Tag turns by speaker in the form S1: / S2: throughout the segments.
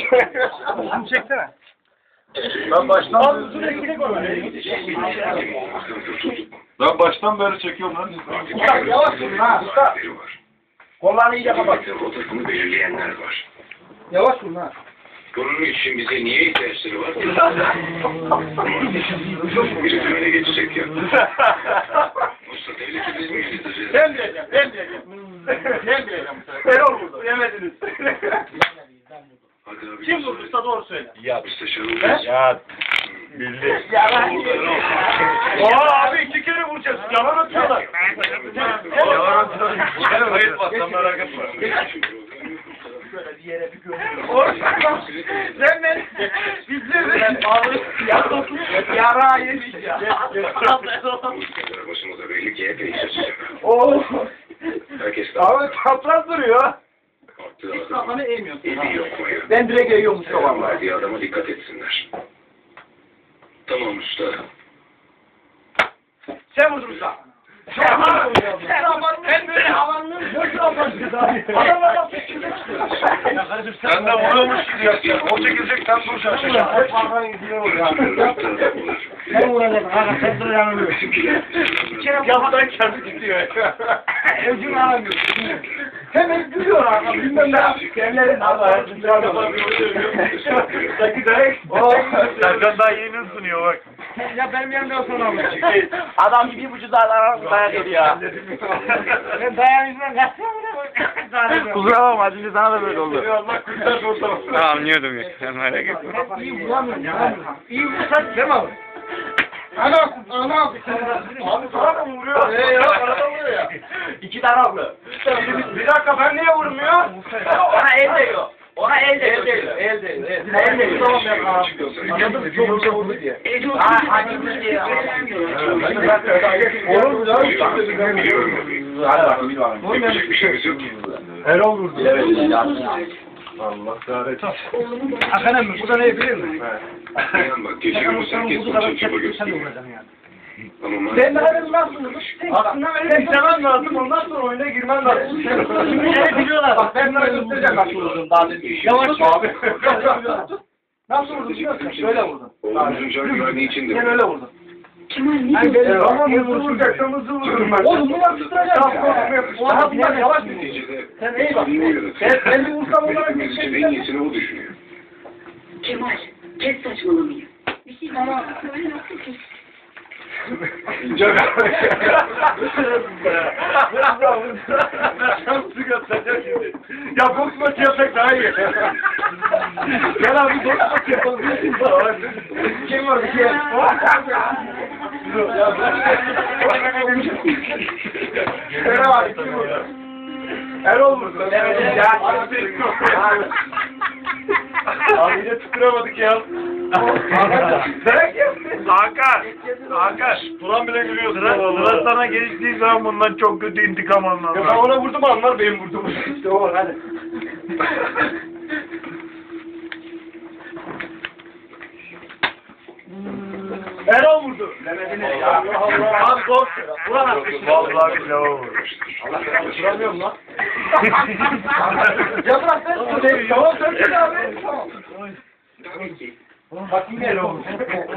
S1: Şunu çeksene.
S2: Ben baştan beri çekiyorum lan.
S1: Yavaş vurun ha. Usta. Kollarını iyice kapat.
S3: Rotasını belirleyenler var.
S1: Yavaş vurun ha.
S3: Bunun için bize niye ihtiyaçları var? Biri tümene geçecek ya. Usta devleti biz mi yöneteceğiz?
S1: Ben diyeceğim. Ben diyeceğim. Erol vurdu. Yemediniz.
S3: Hadi abi.
S1: Kim vurdu usta doğru söyle.
S3: Müsteşar olacağız.
S2: Ya bildi.
S1: Abi 2 kere vuracağız. Yalan atıyorlar.
S2: Yalan atıyorlar. Hayır bak merak etme.
S1: Böyle bir yere bir gömüyorum. Sen ben bizleri yara yemiş ya.
S3: Başımıza belli ki epey şaşacak. Herkes de
S1: Abi çapraz duruyor.
S3: attığı
S1: Hiç
S3: adamın
S1: kafanı eğmiyorsun.
S3: eli yokmaya.
S1: Ben direkt eğiyormuş
S3: Selam verdiği adama dikkat etsinler. Tamam usta.
S1: Sen vurdun usta. Ben böyle havanın boşuna yapacağız abi. Adamlar nasıl çıkıyor?
S2: Sen de vuruyormuş gibi yaptın. O çekilecek sen duracaksın.
S1: Sen vuracaksın. Kanka sen dur yanılıyor. Yapıdan kendi gidiyor. Öcünü alamıyorsun. Hemen gülüyor abi. Bilmem ne yapıyor. Evlerin Allah'a.
S2: Serkan daha yeni ısınıyor bak.
S1: Ya benim yanımda sonra mı?
S4: Adam gibi 1,5 saat dayak yedi ya.
S1: Ben dayan yüzünden kaçıyorum.
S4: Kusura bakma az önce sana da böyle oldu.
S1: Allah kurtar ortamı.
S4: Tamam anlıyordum ya. Merak etme.
S1: İyi vuramıyorum ya. İyi vursak değil mi abi? Ana abi. Abi sana mı vuruyor? Ya arada vuruyor ya.
S4: 2 taraflı.
S1: Bir dakika ben niye vurmuyor?
S4: Ona el değiyor. Ona el değiyor.
S1: El değiyor. Tamam ya. Anladım mı? Çok güzel vurdu diye.
S4: Hadi bir şey ya.
S1: Olur mu lan?
S3: Yapacak bir şeyimiz yok.
S1: Erol vurdu.
S2: Allah kahretsin.
S1: Hakan mi? Bu da ne bilir mi?
S3: İnan bak geçiyoruz herkes bunca çaba gösteriyor. Ama
S1: Ben de nasıl vurdum? Aslında benim istemem lazım. Ondan sonra oyuna girmem lazım. Şimdi biliyorlar. Bak ben sana göstereceğim nasıl vurdum daha demin. Yavaş abi. Nasıl vurdum biliyor musun? Şöyle vurdum.
S3: oğlumuzun can güvenliği için de
S1: Ben öyle vurdum.
S3: Kemal
S1: Ama hızlı vuracaksam hızlı vururum ben. Oğlum bunu yapıştıracağım ya. Daha bunlar yavaş mı?
S3: neticede
S1: Sen iyi bak. Ben bir vursam olarak
S3: hepimiz için en iyisini o düşünüyor.
S5: Kemal, kes saçmalamayı. Bir şey bana söyle nasıl kes?
S1: Ya boks maçı yapsak daha iyi. Gel abi boks maçı yapalım. Kim var bir şey? Kerem abi kim vurdu? Erol vurdu. Evet ya. Abi yine tutturamadık ya. Dayak yaptı.
S2: Hakan. Turan bile gülüyor. Sıra sana geçtiği zaman bundan çok kötü intikam alman
S1: Ya ben
S2: lazım.
S1: ona vurdum anlar benim vurdum. İşte o hadi. Erol vurdu. Demediniz ya. Abi gol. Vuramazsın.
S2: Vallahi billahi o vurmuş.
S1: Allah vuramıyorum lan. Ya bırak sen. Tamam sen abi. Tamam.
S3: Tabii ki.
S1: Bak yine Erol vurdu.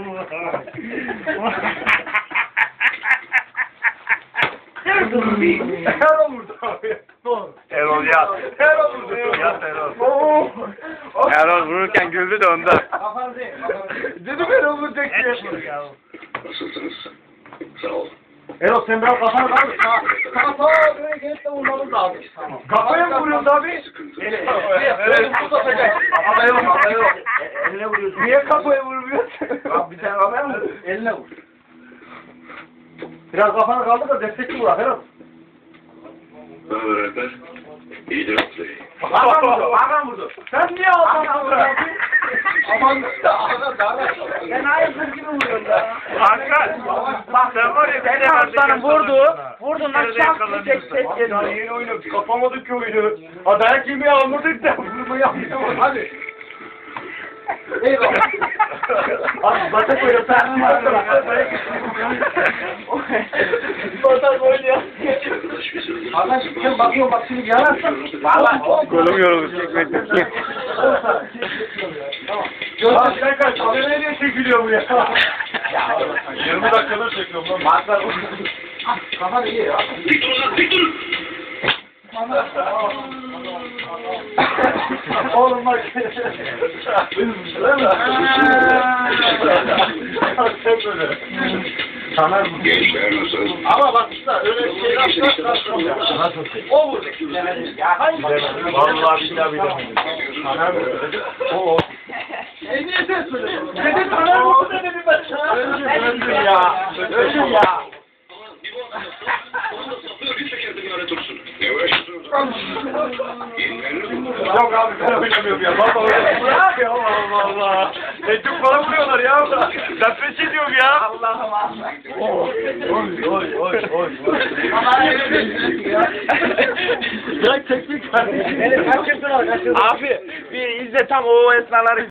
S1: Erol vurdu abi. Doğru.
S2: Erol yat.
S1: Erol vurdu.
S2: Yat Erol.
S4: Erol vururken güldü de ondan.
S1: Kafanı değil. Dedim Erol vuracak diye.
S3: Nasılsınız? Sağ ol.
S1: Erol sen biraz kafanı kaldır. Kafa böyle gelip de vurmamız lazım. Kafaya mı vuruyoruz abi?
S3: Sıkıntı.
S1: Evet. Kafaya yok. Eline vuruyorsun. Niye kafaya vurmuyorsun? Abi bir tane kafaya mı vuruyorsun? Eline vur. Biraz kafanı kaldır da destekli vur Erol.
S3: Ne haber Alper? İyidir Atlay.
S1: Hakan vurdu. Sen niye Hakan vurdun? Aman da Hakan. Ben hayırdır gibi vuruyorum ya.
S2: Hakan. Bak sen var ya.
S4: Sen aslanım vurdu. Vurdun lan şans bir tek ses
S1: Ya
S4: geliyor.
S1: yeni oyunu kapamadık ki oyunu. Dayak yemeği almadık da vurmayı yaptık. Hadi. Eyvallah. Abi bata koyuyor. Sen Batak oynuyor. Arkadaş sen bakıyor bak şimdi yanarsan.
S4: Kolum yoruldu çekmekten.
S1: Tamam. Sen kaç. Nereye çekiliyor bu ya?
S2: 20 dakikadır çekiyorum lan.
S1: Marklar. Kafa iyi ya.
S3: Dik durun lan, dik durun.
S1: Oğlum bak. Sana
S3: Gençler nasıl?
S1: ama bak işte öyle bir şey yapmaz. O vurdu. Ya hangi?
S2: Vallahi billahi bilemedim.
S1: O. Niye sen söylüyorsun? Dedi sana vurdu dedi ben sana. Öldün ya. Öldün ya.
S3: Bir çekerdim lanet olsun. Ne uğraşıyorsun?
S2: Yok abi ben oynamıyorum ya. Vallahi oynamıyorum. Ya Allah Allah. Ecuk falan vuruyorlar ya. Ben pes ediyorum ya.
S1: Allah'ım Allah.
S2: Oy.
S1: Ya teknik var. Kaçırsın.
S4: Abi bir izle tam o esnaları